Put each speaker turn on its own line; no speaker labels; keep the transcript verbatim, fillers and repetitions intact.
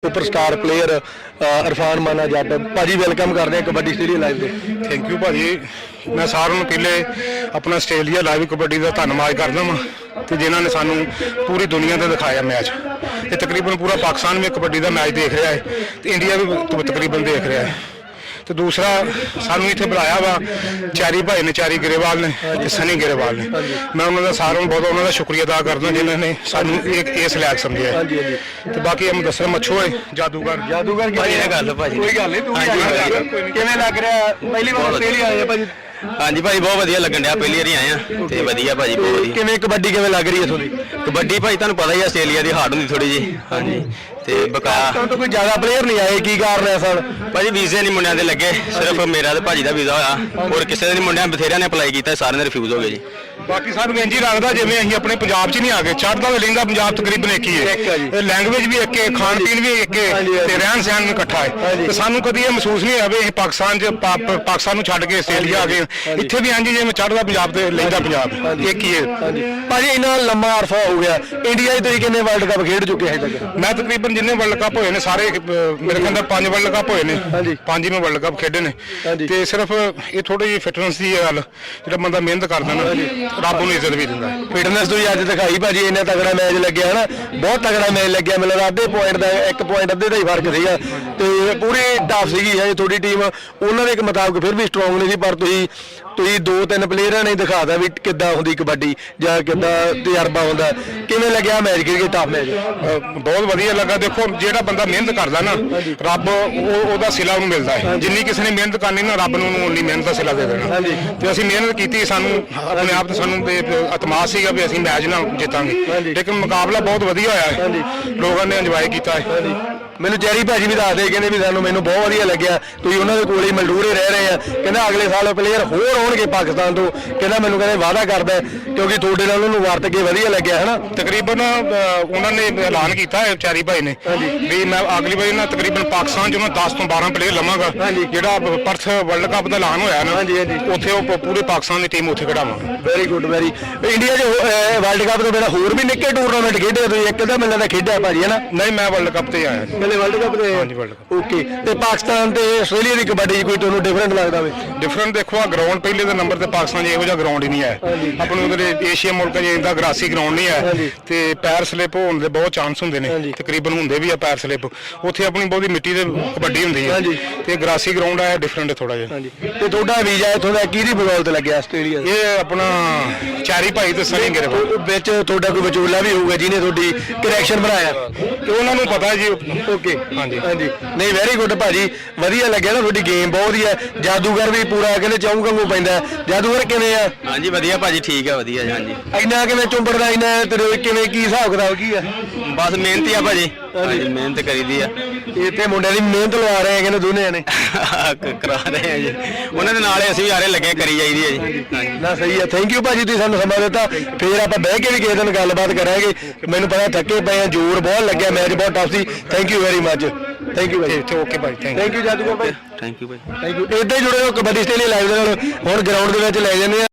Superstar player Irfan माना जट भाजी welcome करते हैं कबड्डी स्टेडियम लाइव दे।
थैंक यू भाजी। मैं सारों ਨੂੰ ਪਹਿਲੇ अपना ਆਸਟ੍ਰੇਲੀਆ ਲਾਈਵ ਕਬੱਡੀ ਦਾ ਧੰਨਵਾਦ ਕਰਦਾ ਹਾਂ ਤੇ ਜਿਨ੍ਹਾਂ ਨੇ ਸਾਨੂੰ ਪੂਰੀ ਦੁਨੀਆ ਤੇ ਦਿਖਾਇਆ ਮੈਚ। ਇਹ ਤਕਰੀਬਨ ਪੂਰਾ ਪਾਕਿਸਤਾਨ ਵੀ ਕਬੱਡੀ ਦਾ ਮੈਚ ਦੇਖ ਰਿਹਾ ਹੈ ਤੇ ਇੰਡੀਆ ਵੀ ਤਕਰੀਬਨ ਦੇਖ ਰਿਹਾ ਹੈ। ਤੇ ਦੂਸਰਾ ਸਾਨੂੰ ਇੱਥੇ ਬੁਲਾਇਆ ਵਾ ਚਾਰੀ ਭਾਈ ਨੇ, ਚਾਰੀ ਗਰੇਵਾਲ ਨੇ ਤੇ ਸਨੀ ਗਰੇਵਾਲ ਨੇ। ਮੈਂ ਉਹਨਾਂ ਦਾ ਸਾਰਿਆਂ ਨੂੰ ਬਹੁਤ ਉਹਨਾਂ ਦਾ ਸ਼ੁਕਰੀਆ ਅਦਾ ਕਰਦਾ ਜਿਨ੍ਹਾਂ ਨੇ ਸਾਨੂੰ ਇੱਕ ਇਸ ਲਾਇਕ ਸਮਝਿਆ। ਤੇ ਬਾਕੀ ਹਮ ਦੱਸਣ ਮੱਛੋ ਹੈ ਜਾਦੂਗਰ
ਜਾਦੂਗਰ ਕੀ
ਭਾਜੀ ਇਹ ਗੱਲ ਭਾਜੀ
ਕੋਈ ਗੱਲ ਨਹੀਂ ਤੂੰ ਕਿਵੇਂ ਲੱਗ ਰਿਹਾ ਪਹਿਲੀ ਵਾਰ ਆਸਟ੍ਰੇਲੀਆ ਆਏ ਭਾਜੀ?
ਹਾਂਜੀ ਭਾਜੀ ਬਹੁਤ ਵਧੀਆ ਲੱਗਣ ਡਿਆ, ਪਹਿਲੀ ਵਾਰੀ ਆਏ ਆ ਤੇ ਵਧੀਆ ਭਾਜੀ ਬਹੁਤ ਵਧੀਆ।
ਕਿਵੇਂ ਕਬੱਡੀ ਕਿਵੇਂ ਲੱਗ ਰਹੀ ਹੈ ਤੁਹਾਡੀ
ਕਬੱਡੀ ਭਾਜੀ ਤੁਹਾਨੂੰ ਪਤਾ ਹੀ ਆ ਆਸਟ੍ਰੇਲੀਆ ਦੀ ਹਾਰਡ ਹੁੰਦੀ ਥੋੜੀ ਜੀ। ਹਾਂਜੀ ਤੇ ਬਕਾਇਆ
ਤਾਂ ਕੋਈ ਜ਼ਿਆਦਾ ਪਲੇਅਰ ਨਹੀਂ ਆਏ, ਕੀ ਕਾਰਨ ਹੈ ਸਰ?
ਭਾਜੀ ਵੀਜ਼ੇ ਨਹੀਂ ਮੁੰਡਿਆਂ ਦੇ ਲੱਗੇ, ਸਿਰਫ ਮੇਰਾ ਤੇ ਭਾਜੀ ਦਾ ਵੀਜ਼ਾ ਹੋਇਆ, ਹੋਰ ਕਿਸੇ ਦੇ ਨਹੀਂ। ਮੁੰਡਿਆਂ ਬਥੇਰਿਆਂ ਨੇ ਅਪਲਾਈ ਕੀਤਾ, ਸਾਰਿਆਂ ਦੇ ਰਿਫਿਊਜ਼ ਹੋ ਗਏ ਜੀ।
ਬਾਕੀ ਸਾਨੂੰ ਇੰਜ ਹੀ ਲੱਗਦਾ ਜਿਵੇਂ ਅਸੀਂ ਆਪਣੇ ਪੰਜਾਬ 'ਚ ਨਹੀਂ ਆ ਗਏ। ਚੜ੍ਹਦਾ ਤੇ ਲਹਿੰਦਾ ਪੰਜਾਬ ਤਕਰੀਬਨ ਇੱਕ ਹੀ ਹੈ, ਲੈਂਗੁਏਜ ਵੀ ਇੱਕ ਹੈ, ਖਾਣ ਪੀਣ ਵੀ ਇੱਕ ਹੈ ਤੇ ਰਹਿਣ ਸਹਿਣ ਵੀ ਇਕੱਠਾ ਹੈ। ਤੇ ਸਾਨੂੰ ਕਦੀ ਇਹ ਮਹਿਸੂਸ ਨਹੀਂ ਹੋਇਆ ਵੀ ਅਸੀਂ ਪਾਕਿਸਤਾਨ 'ਚ ਪਾਕਿਸਤਾਨ ਨੂੰ ਛੱਡ ਕੇ ਆਸਟ੍ਰੇਲੀਆ ਆ ਗਏ। ਇੱਥੇ ਵੀ ਇੰਜ ਜਿਵੇਂ ਚੜ੍ਹਦਾ ਪੰਜਾਬ ਤੇ ਲਹਿੰਦਾ ਪੰਜਾਬ ਇੱਕ ਹੀ ਹੈ।
ਭਾਜੀ ਇੰਨਾ ਲੰਮਾ ਅਰਸਾ ਹੋ ਗਿਆ, ਇੰਡੀਆ 'ਚ ਤੁਸੀਂ ਕਿੰਨੇ ਵਰਲਡ ਕੱਪ ਖੇਡ ਚੁੱਕੇ ਹੈ ਤੱਕ?
ਮੈਂ ਤਕਰੀਬਨ ਜਿੰਨੇ ਵਰਲਡ ਕੱਪ ਹੋਏ ਨੇ ਸਾਰੇ ਮੇਰੇ ਖਿਆਲ ਨਾਲ ਪੰਜ ਵਰਲਡ ਕੱਪ ਹੋਏ ਨੇ, ਪੰਜ ਹੀ ਮੈਂ ਵਰਲਡ ਕੱਪ ਖੇਡੇ ਨੇ। ਤੇ ਸਿਰਫ ਇਹ ਥੋੜੀ ਜਿਹੀ ਫਿਟਨੈਸ ਦੀ ਗੱਲ, ਜਿਹੜਾ ਬੰਦਾ ਮਿਹਨਤ ਕਰਦਾ ਨਾ ਰੱਬ ਨੂੰ ਇੱਜ਼ਤ ਵੀ ਦਿੰਦਾ।
ਫਿਟਨੈਸ ਤੁਸੀਂ ਅੱਜ ਦਿਖਾਈ ਭਾਜੀ, ਇੰਨਾ ਤਗੜਾ ਮੈਚ ਲੱਗਿਆ ਹੈ ਨਾ, ਬਹੁਤ ਤਗੜਾ ਮੈਚ ਲੱਗਿਆ। ਮੈਨੂੰ ਲੱਗਦਾ ਅੱਧੇ ਪੁਆਇੰਟ ਦਾ ਇੱਕ ਪੁਆਇੰਟ ਅੱਧੇ ਦਾ ਹੀ ਫਰਕ ਸੀਗਾ ਤੇ ਪੂਰੀ ਟਫ ਸੀਗੀ ਹੈ ਤੁਹਾਡੀ ਟੀਮ। ਉਹਨਾਂ ਦੇ ਮੁਤਾਬਕ ਫਿਰ ਵੀ ਸਟਰੋਂਗ ਨਹੀਂ ਸੀ, ਪਰ ਤੁਸੀਂ ਤੁਸੀਂ ਦੋ ਤਿੰਨ ਪਲੇਅਰਾਂ ਨੇ ਦਿਖਾਤਾ ਵੀ ਕਿੱਦਾਂ ਹੁੰਦੀ ਕਬੱਡੀ ਜਾਂ ਕਿੱਦਾਂ ਤਜਰਬਾ ਹੁੰਦਾ। ਕਿਵੇਂ ਲੱਗਿਆ ਮੈਚ ਖੇਡ ਕੇ? ਟਫ ਮੈਚ
ਬਹੁਤ ਵਧੀਆ ਲੱਗਾ। ਦੇਖੋ ਜਿਹੜਾ ਬੰਦਾ ਮਿਹਨਤ ਕਰਦਾ ਨਾ ਰੱਬ ਉਹਦਾ ਸਿਲਾ ਉਹਨੂੰ ਮਿਲਦਾ ਹੈ। ਜਿੰਨੀ ਕਿਸੇ ਨੇ ਮਿਹਨਤ ਕਰਨੀ ਨਾ ਰੱਬ ਨੂੰ ਉਨੀ ਮਿਹਨਤ ਦਾ ਸਿਲਾ ਦੇ ਦੇਣਾ। ਤੇ ਅਸੀਂ ਮਿਹਨਤ ਕੀਤੀ, ਸਾਨੂੰ ਆਪਣੇ ਆਪ ਤੇ ਸਾਨੂੰ ਇਤਮਾਦ ਸੀਗਾ ਵੀ ਅਸੀਂ ਮੈਚ ਨਾਲ ਜਿੱਤਾਂਗੇ। ਲੇਕਿਨ ਮੁਕਾਬਲਾ ਬਹੁਤ ਵਧੀਆ ਹੋਇਆ ਹੈ, ਲੋਕਾਂ ਨੇ ਇੰਜੋਏ ਕੀਤਾ ਹੈ।
ਮੈਨੂੰ ਜੈਰੀ ਭਾਜੀ ਵੀ ਦੱਸਦੇ, ਕਹਿੰਦੇ ਵੀ ਸਾਨੂੰ ਮੈਨੂੰ ਬਹੁਤ ਵਧੀਆ ਲੱਗਿਆ, ਤੁਸੀਂ ਉਹਨਾਂ ਦੇ ਕੋਲ ਹੀ ਮਲਡੂਰੇ ਰਹਿ ਰਹੇ ਆ। ਕਹਿੰਦਾ ਅਗਲੇ ਸਾਲ ਪਲੇਅਰ ਹੋਰ ਆਉਣਗੇ ਪਾਕਿਸਤਾਨ ਤੋਂ। ਕਹਿੰਦਾ ਮੈਨੂੰ ਕਹਿੰਦੇ ਵਾਅਦਾ ਕਰਦਾ ਕਿਉਂਕਿ ਤੁਹਾਡੇ ਨਾਲ ਉਹਨੂੰ ਵਰਤ ਕੇ ਵਧੀਆ ਲੱਗਿਆ ਹੈ ਨਾ।
ਤਕਰੀਬਨ ਉਹਨਾਂ ਨੇ ਐਲਾਨ ਕੀਤਾ ਹੈ ਚਾਰੀ ਭਾਈ ਨੇ ਵੀ ਮੈਂ ਅਗਲੀ ਵਾਰੀ ਨਾ ਤਕਰੀਬਨ ਪਾਕਿਸਤਾਨ 'ਚ ਉਹਨਾਂ ਦਸ ਤੋਂ ਬਾਰਾਂ ਪਲੇਅਰ ਲਵਾਂਗਾ। ਜਿਹੜਾ ਪਰਥ ਵਰਲਡ ਕੱਪ ਦਾ ਐਲਾਨ ਹੋਇਆ ਨਾ ਉੱਥੇ ਉਹ ਪੂਰੇ ਪਾਕਿਸਤਾਨ ਦੀ ਟੀਮ ਉੱਥੇ ਖਿਡਾਵਾਂਗੇ।
Very good very. ਇੰਡੀਆ 'ਚ ਵਰਲਡ ਕੱਪ ਤੋਂ ਬਿਨਾਂ ਹੋਰ ਵੀ ਨਿੱਕੇ ਟੂਰਨਾਮੈਂਟ ਖੇਡੇ ਤੁਸੀਂ? ਇੱਕ ਤਾਂ ਮੈਨੂੰ ਲੱਗਦਾ ਖੇਡਿਆ ਭਾਜੀ ਹੈ ਨਾ?
ਨਹੀਂ, ਮੈਂ ਵਰਲਡ ਕੱਪ ਤੇ ਆਇਆ।
ਪਹਿਲੇ ਵਰਲਡ ਕੱਪ ਤੇ?
ਹਾਂਜੀ ਵਰਲਡ ਕੱਪ।
ਓਕੇ। ਤੇ ਪਾਕਿਸਤਾਨ ਤੇ ਆਸਟ੍ਰੇਲੀਆ ਦੀ ਕਬੱਡੀ 'ਚ ਕੋਈ ਤੁਹਾਨੂੰ ਡਿਫਰੈਂਟ ਲੱਗਦਾ ਹੋਵੇ?
ਡਿਫਰੈਂਟ ਦੇਖੋ, ਆ ਗਰਾਊਂਡ ਪਹਿਲੇ ਦੇ ਨੰਬਰ ਤੇ ਪਾਕਿਸਤਾਨ 'ਚ ਇਹੋ ਜਿਹਾ ਗਰਾਊਂਡ ਹੀ ਨਹੀਂ ਹੈ। ਆਪਣੇ ਉਧਰ ਏਸ਼ੀਆ ਮੁਲਕਾਂ 'ਚ ਇਹਦਾ ਗਰਾਸੀ ਗਰਾਊਂਡ ਨਹੀਂ ਹੈ ਤੇ ਪੈਰ ਸਲਿਪ ਹੋਣ ਦੇ ਬਹੁਤ ਚਾਂਸ ਹੁੰਦੇ ਨੇ, ਤਕਰੀਬਨ ਹੁੰਦੇ ਵੀ ਆ ਪੈਰ ਸਲਿਪ। ਉੱਥੇ ਆਪਣੀ ਬਹੁਤੀ ਮਿੱਟੀ ਦੇ ਕਬੱਡੀ ਹੁੰਦੀ ਹੈ ਤੇ ਗਰਾਸੀ ਗਰਾਊਂਡ ਹੈ ਡਿਫਰੈਂਟ ਥੋੜਾ ਜਿਹਾ।
ਤੇ ਤੁਹਾਡਾ ਵੀਜ਼ਾ ਇੱਥੋਂ ਦਾ ਕਿਹਦੀ ਬਦੌਲਤ ਲੱਗਿਆ ਆਸਟ੍ਰੇਲੀਆ?
ਇਹ ਆਪਣਾ ਚਾਰੀ ਭਾਈ ਤੇ ਸਨੀ ਗਰੇਵਾਲ
ਵਿੱਚ ਤੁਹਾਡਾ ਕੋਈ ਵਿਚੋਲਾ ਵੀ ਹੋਊਗਾ ਜਿਹਨੇ ਤੁਹਾਡੀ ਕਰੈਕਸ਼ਨ ਬਣਾਇਆ
ਤੇ ਉਹਨਾਂ ਨੂੰ ਪਤਾ ਜੀ।
ਓਕੇ
ਹਾਂਜੀ
ਹਾਂਜੀ। ਨਹੀਂ ਵੈਰੀ ਗੁੱਡ ਭਾਜੀ, ਵਧੀਆ ਲੱਗਿਆ ਨਾ ਤੁਹਾਡੀ ਗੇਮ ਬਹੁਤ ਵਧੀਆ। ਜਾਦੂਗਰ ਵੀ ਪੂਰਾ ਕਹਿੰਦੇ ਚਾਹੂ ਕੰਗੂ ਪੈਂਦਾ। ਜਾਦੂਗਰ ਕਿਵੇਂ ਆ?
ਹਾਂਜੀ ਵਧੀਆ ਭਾਜੀ, ਠੀਕ ਆ ਵਧੀਆ। ਹਾਂਜੀ
ਇੰਨਾ ਕਿਵੇਂ ਚੁੰਬੜਦਾ, ਇੰਨਾ ਤੇਰੇ ਕਿਵੇਂ ਕੀ ਹਿਸਾਬ ਕਿਤਾਬ ਕੀ ਆ?
ਬਸ ਮਿਹਨਤ ਹੀ ਆ ਭਾਜੀ, ਹਾਂਜੀ ਮਿਹਨਤ ਕਰੀਦੀ ਆ।
ਇੱਥੇ ਮੁੰਡਿਆਂ ਦੀ ਮਿਹਨਤ ਲਵਾ ਰਹੇ ਆ ਕਹਿੰਦੇ ਦੋਨੇ ਨੇ
ਕਰਾ ਰਹੇ ਆ ਜੀ, ਉਹਨਾਂ ਦੇ ਨਾਲ ਹੀ ਅਸੀਂ ਵੀ ਆਰੇ ਲੱਗੇ ਕਰੀ ਜਾਈਦੀ ਹੈ ਜੀ।
ਨਾ ਸਹੀ ਆ। ਥੈਂਕ ਯੂ ਭਾਜੀ, ਤੁਸੀਂ ਸਾਨੂੰ ਸਮਾਂ ਦਿੱਤਾ। ਫੇਰ ਆਪਾਂ ਬਹਿ ਕੇ ਵੀ ਕਿਸੇ ਦਿਨ ਗੱਲਬਾਤ ਕਰਾਂਗੇ। ਮੈਨੂੰ ਪਤਾ ਥੱਕੇ ਪਏ ਆ, ਜ਼ੋਰ ਬਹੁਤ ਲੱਗਿਆ, ਮੈਚ ਬਹੁਤ ਟਫ ਸੀ। Thank you very much. Thank you ਭਾਈ।
ਓਕੇ ਭਾਈ, ਥੈਂਕ
ਥੈਂਕ ਯੂ ਜਾਦੂਗਰ ਭਾਈ।
ਥੈਂਕ ਯੂ ਭਾਈ।
Thank you. ਇੱਦਾਂ ਹੀ ਜੁੜੇ ਰਹੋ ਕਬੱਡੀ ਸਟੇਡੀਅਮ ਲਾਈਵ ਦੇ ਨਾਲ। ਹੁਣ ਗਰਾਊਂਡ ਦੇ ਵਿੱਚ ਲੈ ਜਾਂਦੇ ਆ।